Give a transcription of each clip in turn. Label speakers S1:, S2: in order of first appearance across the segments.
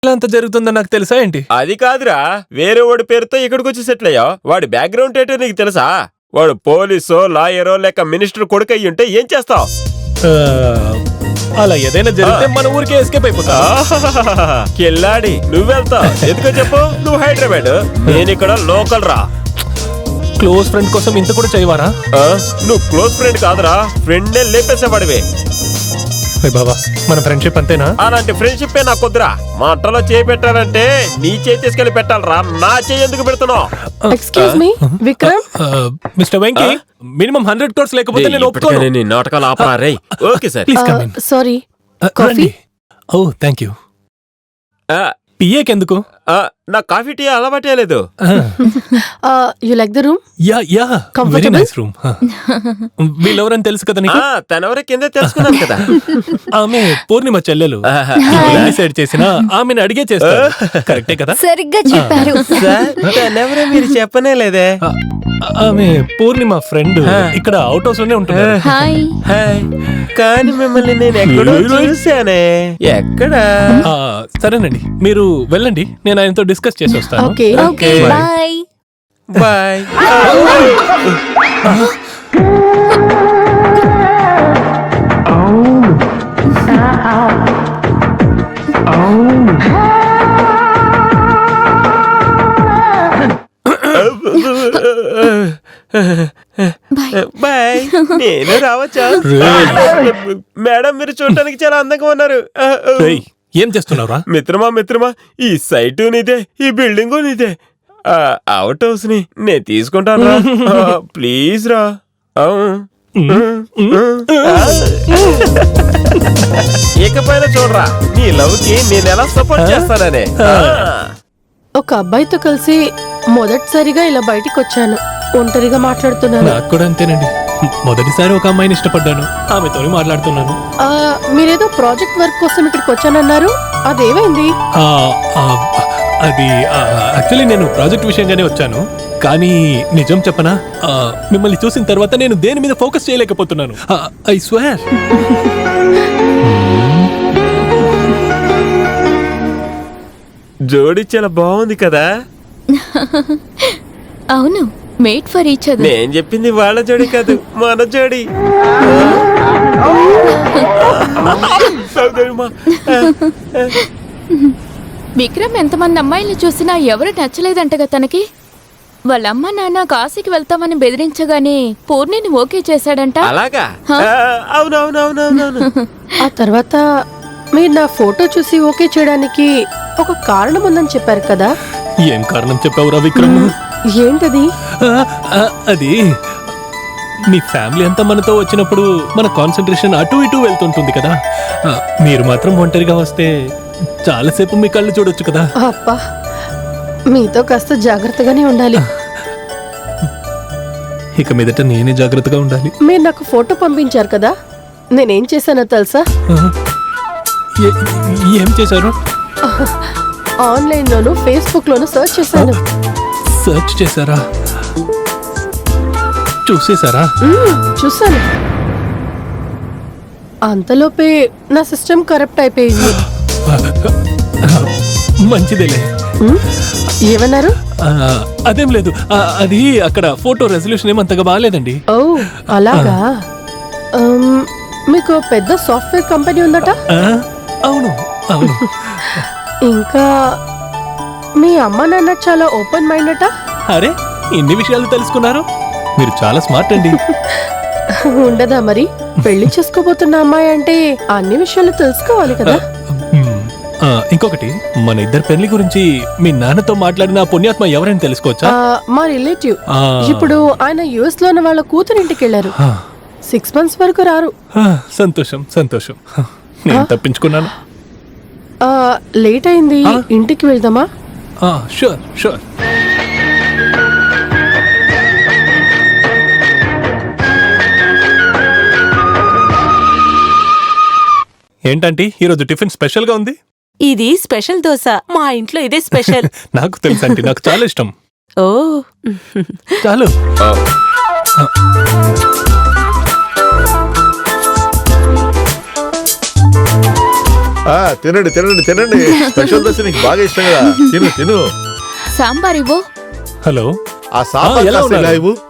S1: అంత జరుగుతుందో నాకు తెలుసా ఏంటి?
S2: అది కాదురా, వేరే వాడి పేరుతో ఇక్కడికి వచ్చి సెటిల్ అయ్యావు. వాడి బ్యాక్గ్రౌండ్ ఏంటో నీకు తెలుసా? వాడు పోలీసో లాయరో లేక మినిస్టర్ కొడుకు అయ్యి ఉంటే ఏం చేస్తావు?
S1: అలా ఏదైనా జరిగితే మన ఊరికే ఎస్కేప్ అయిపోతా.
S2: కిల్లాడి నువ్వెళ్తావు ఎందుకో చెప్పు. నువ్వు హైదరాబాద్, నేను ఇక్కడ లోకల్ రా.
S1: క్లోజ్ ఫ్రెండ్ కోసం ఇంత కూడా చేయవారా?
S2: నువ్వు క్లోజ్ ఫ్రెండ్ కాదురా, ఫ్రెండ్ లేపేసేవాడివే.
S1: బాబా మన ఫ్రెండ్షిప్ అంతేనా?
S2: అలాంటి ఫ్రెండ్షిప్ నాకు వద్దురా. మా అట్టలో చేయి పెట్టాలంటే నీ చేయి తీసుకెళ్లి పెట్టాలరా, నా చేయి ఎందుకు పెడుతున్నావు?
S3: Excuse me Vikram.
S1: Mister Venky, minimum 100 crores లేకపోతే నేను ఒప్పుకోను.
S2: నీ నాటకాలు ఆపరా రే. Okay sir,
S1: please come in.
S3: Sorry, coffee.
S1: Oh thank you. పిఏకి ఎందుకు?
S2: నా కాఫీ టీ అలవాటే లేదు.
S3: You like the room?
S1: Yeah yeah, very nice room. వీళ్ళెవరని తెలుసు కదా నీకు?
S2: తనెవరో కింద తెలుసుకున్నాను కదా.
S1: ఆమె పూర్ణిమ చెల్లెలు. డిసైడ్ చేసిన ఆమెను అడిగే చేస్తారు. కరెక్టే కదా?
S4: సరిగ్గా చెప్పారు.
S2: తనెవరో మీరు చెప్పనే లేదే.
S1: ఆమె పూర్ణిమ ఫ్రెండ్. ఇక్కడ అవుట్ హౌస్ లోనే ఉంటుంది.
S4: హాయ్.
S2: కానీ మిమ్మల్ని నేను ఎక్కడో చూసానే. ఎక్కడ?
S1: సరేనండి, మీరు వెళ్ళండి, నేను ఆయనతో డిస్కస్ చేసి వస్తాను.
S3: Okay
S4: okay bye.
S2: Bye. Bye. నేను రావచ్చా? మేడం మీరు చూడటానికి చాలా అందంగా ఉన్నారు.
S1: ఏం చేస్తున్నావురా?
S2: మిత్రమా ఈ సైటు నీదే, ఈ బిల్డింగు నీదే. అవుట్ హౌస్ ని నేను తీసుకుంటాను రా. ప్లీజ్ రా. ఇకపైన చూడరా, నీ లవ్ కి నేను ఎలా సపోర్ట్ చేస్తాననే.
S3: ఒక అబ్బాయితో కలిసి మొదటిసారిగా ఇలా బయటికి వచ్చాను. ఒంటరిగా మాట్లాడుతున్నాను.
S1: నాకు కూడా అంతేనండి. మొదటిసారి ఒక అమ్మాయిని ఇష్టపడ్డాను, ఆమెతో మాట్లాడుతున్నాను.
S3: మీరేదో ప్రాజెక్ట్ వర్క్ కోసం ఇక్కడికి వచ్చానన్నారు, అదేమైంది?
S1: అది యాక్చువల్లీ నేను ప్రాజెక్ట్ విషయంగానే వచ్చాను. కానీ నిజం చెప్పనా, మిమ్మల్ని చూసిన తర్వాత నేను దేని మీద ఫోకస్ చేయలేకపోతున్నాను. I swear.
S2: జోడి చాలా బాగుంది కదా?
S4: అవును, మేట్ ఫర్ ఈచ్ అదర్.
S2: నేను చెప్పింది వాళ్ళ జోడి కాదు, మన జోడి.
S4: విక్రమ్ ఎంతమంది అమ్మాయిల్ని చూసినా ఎవరు నచ్చలేదంటగా తనకి. వాళ్ళ అమ్మ నాన్న కాశీకి వెళ్తామని బెదిరించగానే పూర్ణిని ఓకే చేశాడంట.
S2: అలాగా? అవునవునవునవునవును.
S3: ఆ తర్వాత మీరు నా ఫోటో చూసి ఓకే చేయడానికి ఒక కారణం ఉందని చెప్పారు కదా?
S1: ఏం కారణం చెప్పావురా విక్రమ్?
S3: ఏంటది?
S1: అది మీ ఫ్యామిలీ అంతా మనతో వచ్చినప్పుడు మన కాన్సన్ట్రేషన్ అటు ఇటు వెళ్తుంటుంది కదా. మీరు మాత్రం ఒంటరిగా వస్తే చాలాసేపు మీ కళ్ళు చూడొచ్చు కదా.
S3: అబ్బా, మీతో కాస్త జాగ్రత్తగానే ఉండాలి.
S1: ఇక మీదట నేనే జాగ్రత్తగా ఉండాలి.
S3: మీరు నాకు ఫోటో పంపించారు కదా, నేనేం చేశానో తెలుసా?
S1: ఏం చేశారు?
S3: ఆన్లైన్ లోను ఫేస్బుక్ లోను సర్చ్ చేశాను.
S1: సర్చ్ చేశారా? చూసేశారా?
S3: చూసాను. అంతలోపే నా సిస్టమ్ కరప్ట్ అయిపోయింది.
S1: మంచిదేలే.
S3: ఏమన్నారు?
S1: అదేం లేదు, అది అక్కడ ఫోటో రెజల్యూషన్ ఏమంతగా బాగాలేదండి.
S3: ఓ అలాగా. మీకు పెద్ద సాఫ్ట్వేర్ కంపెనీ ఉందట?
S1: అవును అవును.
S3: ఇంకా మీ అమ్మ నాన్న చాలా ఓపెన్ మైండ్ అట?
S1: అరే, ఇన్ని విషయాలు తెలుసుకున్నారు, మీరు చాలా స్మార్ట్ అండి.
S3: ఉండదా మరి? పెళ్లి చేసుకోబోతున్న అమ్మాయి అంటే అన్ని విషయాలు తెలుసుకోవాలి కదా.
S1: ఇంకొకటి, మన ఇద్దరు పెళ్లి గురించి మీ నాన్నతో మాట్లాడిన పుణ్యాత్మ ఎవరైనా తెలుసుకోవచ్చా?
S3: మా రిలేటివ్. ఇప్పుడు ఆయన యుఎస్ లో ఉన్న వాళ్ళ కూతురింటికి వెళ్ళారు. 6 months వరకు రారు.
S1: సంతోషం సంతోషం, నేను తప్పించుకున్నాను.
S3: లేట్ అయింది, ఇంటికి వెళ్దామా?
S1: Sure sure. ఏంటంటే ఈరోజు టిఫిన్ స్పెషల్ గా ఉంది?
S5: ఇది స్పెషల్ దోశ, మా ఇంట్లో ఇదే స్పెషల్.
S1: నాకు తెలుసు అంటే నాకు చాలా ఇష్టం.
S5: ఓ
S1: చాలు.
S6: తినండి తినండి తినండి. స్పెషల్ దోశ నీకు బాగా ఇష్టం కదా, తిను తిను.
S4: సాంబార్ ఇవ్వు.
S1: హలో
S6: ఆ సాంబార్
S1: ఎలా
S6: కాస్త ఇలా
S1: ఉన్నారు?
S6: ఇవ్వు.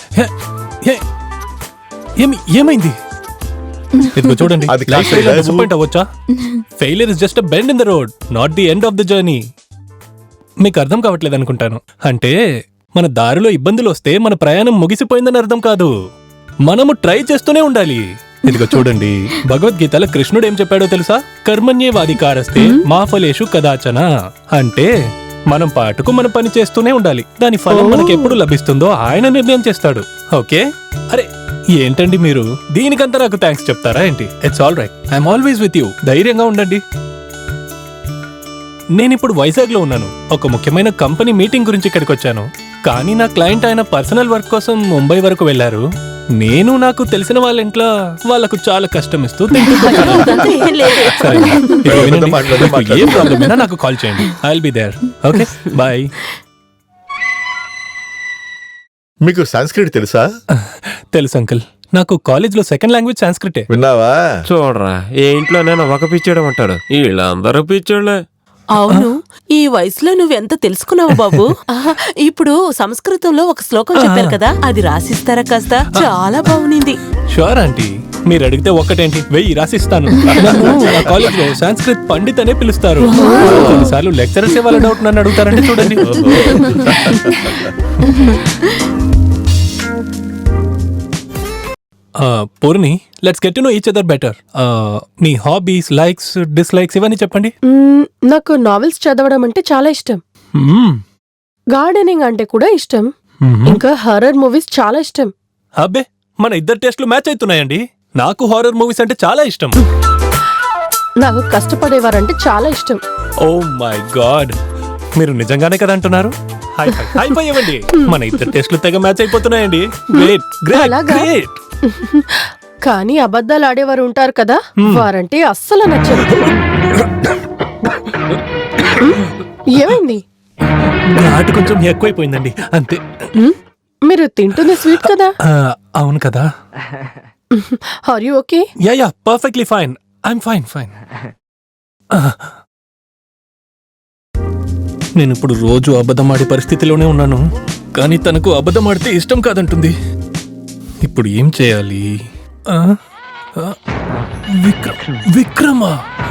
S1: ఏమైంది ఇదిగో చూడండి,
S6: అది కాస్త ఇలా ఇవ్వు.
S1: డిసప్పాయింట్ అవ్వచ్చా? Failure is just bend in the road, not the end of the journey. మీకు అర్థం కావట్లేదు అనుకుంటాను. అంటే మన దారిలో ఇబ్బందులు వస్తే మన ప్రయాణం ముగిసిపోయిందని అర్థం కాదు, మనము ట్రై చేస్తూనే ఉండాలి. ఇదిగో చూడండి, భగవద్గీతలో కృష్ణుడు ఏం చెప్పాడో తెలుసా? కర్మణ్యేవాధికారస్తే మా ఫలేషు కదాచన. అంటే మనం పాటుకు మన పని చేస్తూనే ఉండాలి, దాని ఫలం మనకి ఎప్పుడు లభిస్తుందో ఆయన నిర్ణయం చేస్తాడు. ఓకే? అరే ఏంటండి మీరు దీనికంతా నాకు థ్యాంక్స్ చెప్తారా ఏంటి? It's all right, I'm always with you. ధైర్యంగా ఉండండి. నేనిప్పుడు వైజాగ్ లో ఉన్నాను. ఒక ముఖ్యమైన కంపెనీ మీటింగ్ గురించి ఇక్కడికి వచ్చాను. కానీ నా క్లయింట్ ఆయన పర్సనల్ వర్క్ కోసం ముంబై వరకు వెళ్లారు. నేను నాకు తెలిసిన వాళ్ళ ఇంట్లో వాళ్ళకు చాలా కష్టం ఇస్తూ తింటున్నాను.
S5: అదంతా ఏం లేదు.
S1: సరే, ఇదిగో వినండి.
S6: మాట్లాడు,
S1: మీకు ఏ ప్రాబ్లం అయినా నాకు కాల్ చేయండి. I will be there. Okay, bye.
S6: మీకు సంస్కృతి తెలుసా?
S1: తెలుసు అంకుల్, నాకు కాలేజ్ లో సెకండ్ లాంగ్వేజ్ సాంస్క్రిటే.
S6: విన్నావా?
S2: చూడరా, ఏ ఇంట్లోనైనా ఒక పిచ్చోడు ఉంటాడు, వీళ్ళందరూ పిచ్చోళ్ళే.
S5: అవును, ఈ వయసులో నువ్వెంత తెలుసుకున్నావు బాబు. ఆహా, ఇప్పుడు సంస్కృతంలో ఒక శ్లోకం చెప్పారు కదా, అది రాసిస్తారా కాస్త? చాలా బాగునింది.
S1: షూర్ ఆంటీ, మీరు అడిగితే ఒక్కటేంటి 1000 రాసిస్తాను. నన్ను నా కాలేజ్ లో సంస్కృత్ పండిత్ అనే పిలుస్తారు. కొన్నిసార్లు లెక్చరర్స్ వాళ్ళ డౌట్ నన్ను అడుగుతారంటే చూడండి. Purni, let's get to know each other better. మీ హాబీస్, లైక్స్, డిస్లైక్స్ ఇవన్నీ చెప్పండి.
S3: నాకు నావెల్స్ చదవడం అంటే చాలా ఇష్టం. గార్డెనింగ్ అంటే కూడా ఇష్టం. ఇంకా హారర్ మూవీస్ చాలా ఇష్టం.
S1: అబ్బే, మన ఇద్దరు టేస్ట్లు మ్యాచ్ అవుతున్నాయండి. నాకు హారర్ మూవీస్ అంటే చాలా ఇష్టం.
S3: నాకు కష్టపడేవారంటే చాలా ఇష్టం.
S1: ఓ మై గాడ్, మీరు నిజంగానే కదా అంటున్నారు? హై ఫై, హై ఫై ఇవ్వండి. మన ఇద్దరు టేస్ట్లు తెగ మ్యాచ్ అయిపోతున్నాయండి. గ్రేట్ గ్రేట్
S3: అలాగా?
S1: గ్రేట్.
S3: కానీ అబద్ధాలు ఆడేవారు ఉంటారు కదా, వారంటే అస్సలు నచ్చదు. ఏమైంది?
S1: ఘాటు కొంచెం ఎక్కువైపోయిందండి, అంతే.
S3: మీరు తింటుంది స్వీట్ కదా.
S1: అవును కదా.
S3: Are you okay?
S1: Yeah perfectly fine. I'm fine. నేను ఇప్పుడు రోజు అబద్ధం ఆడే పరిస్థితిలోనే ఉన్నాను. కానీ తనకు అబద్ధం ఆడితే ఇష్టం కాదంటుంది. ఇప్పుడు ఏం చేయాలి? విక్రమా?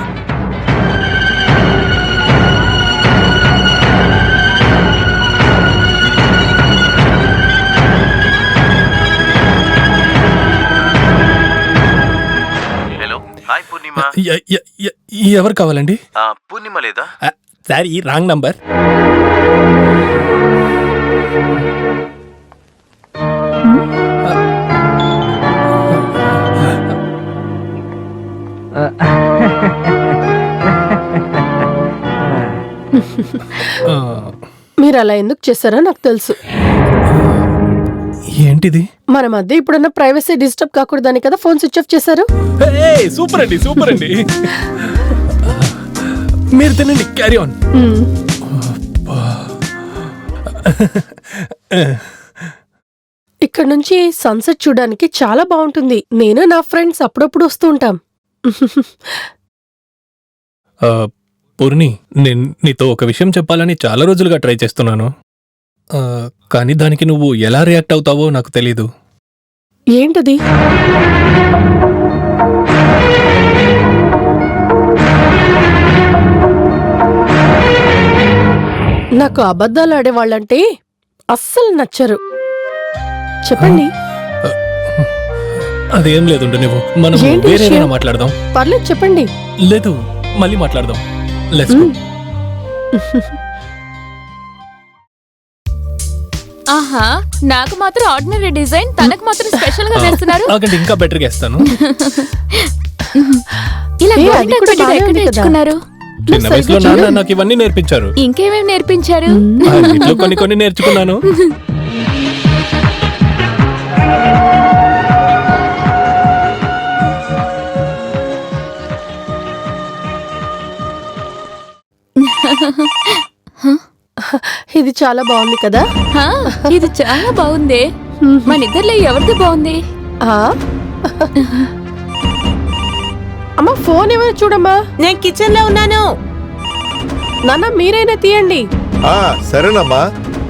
S7: Hello, hi Purnima.
S1: ఎవరు కావాలండి?
S7: పూర్ణిమ లేదా?
S1: Sorry, wrong number.
S3: మీరు అలా ఎందుకు చేశారో నాకు తెలుసు.
S1: ఏంటిది?
S3: మన మధ్య ఇప్పుడున్న ప్రైవసీ డిస్టర్బ్ కాకూడదని కదా ఫోన్ స్విచ్ ఆఫ్ చేశారు.
S1: సూపర్ అండి. మీరు తినండి, క్యారీ ఆన్.
S3: ఇక్కడ నుంచి సన్సెట్ చూడడానికి చాలా బాగుంటుంది. నేను నా ఫ్రెండ్స్ అప్పుడప్పుడు వస్తూ ఉంటాం.
S1: పూర్ణి, నేను నీతో ఒక విషయం చెప్పాలని చాలా రోజులుగా ట్రై చేస్తున్నాను. కానీ దానికి నువ్వు ఎలా రియాక్ట్ అవుతావో నాకు తెలీదు.
S3: ఏంటది? నాకు అబద్ధాలు ఆడేవాళ్ళంటే అస్సలు నచ్చరు. చెప్పండి.
S1: అదేం లేదుండు, నువ్వు మనం
S3: ఏంటి
S1: వేరేమైనా
S3: విషయం?
S1: మాట్లాడదాం.
S3: పర్లేదు చెప్పండి.
S1: లేదు, మళ్ళీ మాట్లాడదాం. Let's go.
S4: ఆహా, నాకు మాత్రం ఆర్డినరీ డిజైన్, తనకు మాత్రం స్పెషల్ గా వేస్తున్నారు.
S1: ఆగండి, ఇంకా బెటర్ గా ఇస్తాను.
S4: ఇలా
S3: ఏ, అది
S4: గోరింటాకు
S3: కూడా
S4: పెట్టడం
S3: బాగానే
S4: ఎక్కడ
S3: ఉంది కదా.
S4: నేర్చుకున్నారు?
S1: చిన్న వయసులో నాన్న నాకు ఇవన్నీ నేర్పించారు.
S4: ఇంకేమేమి నేర్పించారు?
S1: ఇంట్లో కొన్ని నేర్చుకున్నాను.
S3: ఇది చాలా బాగుంది కదా.
S4: హా, ఇది చాలా బాగుంది. మన ఇద్దర్లో ఎవరిది బాగుంది?
S3: ఆ అమ్మా ఫోన్ ఎవరు చూడమ్మా.
S5: నేను కిచెన్ లో ఉన్నాను.
S3: నాన్న మీరైనా తీయండి.
S6: సరేనమ్మా.